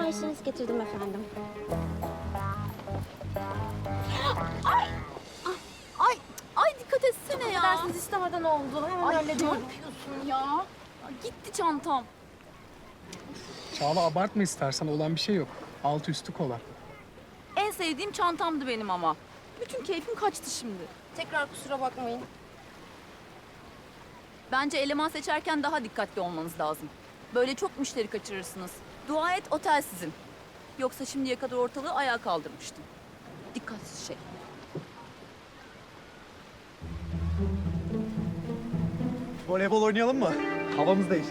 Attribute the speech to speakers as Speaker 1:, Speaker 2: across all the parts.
Speaker 1: Siparişlerinizi getirdim efendim.
Speaker 2: Ay dikkat etsene ya.
Speaker 3: Dersiniz istemeden oldu. Hemen
Speaker 2: Ay ne
Speaker 3: hallediyorum.
Speaker 2: yapıyorsun ya? Ay, gitti çantam.
Speaker 4: Çağla abartma istersen, olan bir şey yok. Altı üstü kola.
Speaker 2: En sevdiğim çantamdı benim ama. Bütün keyfim kaçtı şimdi.
Speaker 3: Tekrar kusura bakmayın.
Speaker 2: Bence eleman seçerken daha dikkatli olmanız lazım. Böyle çok müşteri kaçırırsınız. Dua et otel sizin. Yoksa şimdiye kadar ortalığı ayağa kaldırmıştım. Dikkatsiz şey.
Speaker 5: Voleybol oynayalım mı? Havamız değişti.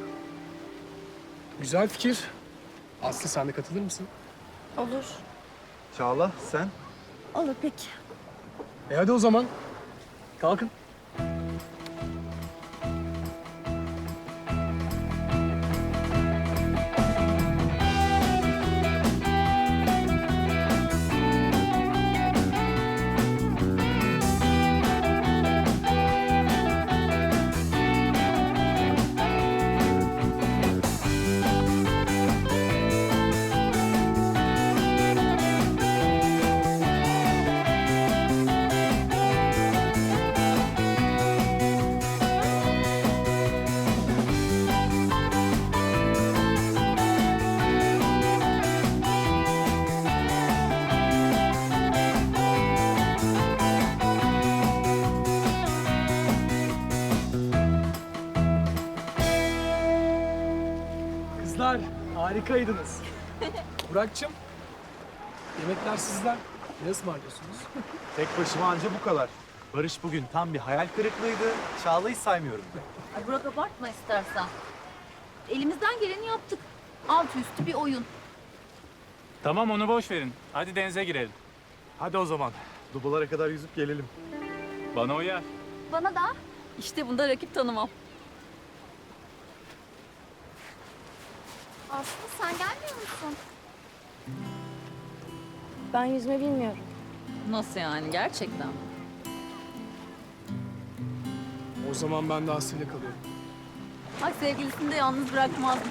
Speaker 4: Güzel fikir. Aslı, sen de katılır mısın?
Speaker 3: Olur.
Speaker 5: Çağla, sen?
Speaker 3: Olur peki.
Speaker 4: Hadi o zaman. Kalkın. Kızlar, harikaydınız. Burak'cığım, yemekler sizden. Ne ısmarlıyorsunuz?
Speaker 5: Tek başıma anca bu kadar. Barış bugün tam bir hayal kırıklığıydı. Çağla'yı saymıyorum.
Speaker 2: Ay Burak abartma istersen. Elimizden geleni yaptık. Altı üstü bir oyun.
Speaker 6: Tamam onu boş verin. Hadi denize girelim.
Speaker 5: Hadi o zaman. Dubalara kadar yüzüp gelelim.
Speaker 6: Bana uyar.
Speaker 2: Bana da. İşte bunda rakip tanımam.
Speaker 1: Aslı sen gelmiyor musun?
Speaker 3: Ben yüzme bilmiyorum.
Speaker 2: Nasıl yani gerçekten?
Speaker 4: O zaman ben de Aslı'yla kalıyorum.
Speaker 2: Ay sevgilisini de yalnız bırakmazmış.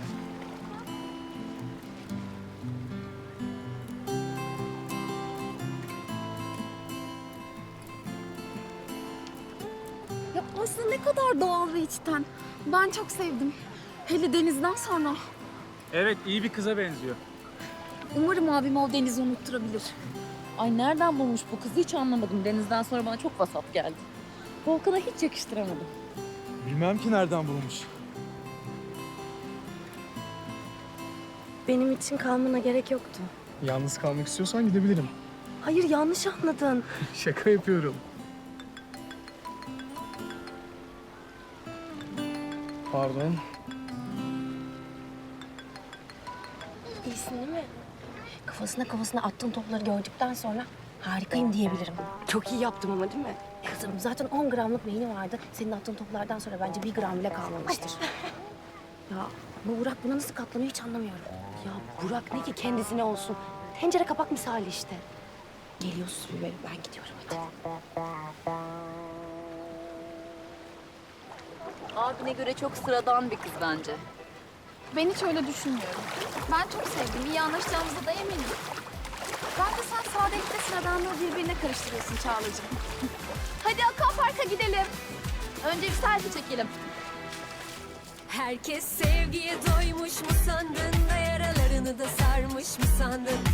Speaker 1: Ya Aslı ne kadar doğal ve içten. Ben çok sevdim. Hele Deniz'den sonra.
Speaker 6: Evet iyi bir kıza benziyor.
Speaker 1: Umarım abim o Deniz'i unutturabilir.
Speaker 2: Ay nereden bulmuş bu kızı hiç anlamadım. Denizden sonra bana çok vasat geldi. Volkan'a hiç yakıştıramadım.
Speaker 5: Bilmem ki nereden bulmuş.
Speaker 3: Benim için kalmana gerek yoktu.
Speaker 4: Yalnız kalmak istiyorsan gidebilirim.
Speaker 3: Hayır yanlış anladın.
Speaker 4: Şaka yapıyorum. Pardon.
Speaker 3: İyisin değil mi? Kafasına attığın topları gördükten sonra harikayım diyebilirim. Çok iyi yaptım ama değil mi? Kızım zaten 10 gramlık beyni vardı. Senin attığın toplardan sonra bence 1 gram bile kalmamıştır. Ya bu Burak buna nasıl katlanıyor hiç anlamıyorum. Ya Burak ne ki kendisine olsun. Tencere kapak misali işte. Geliyorsun böyle ben gidiyorum hadi.
Speaker 2: Abine göre çok sıradan bir kız bence.
Speaker 7: Ben hiç öyle düşünmüyorum. Ben çok sevdim. İyi anlaşacağımıza da eminim. Bence sen sadelikle sıradanlığı birbirine karıştırıyorsun Çağla'cığım. Hadi Aquapark'a gidelim. Önce bir selfie çekelim.
Speaker 8: Herkes sevgiye doymuş mu sandın da yaralarını da sarmış mı sandın?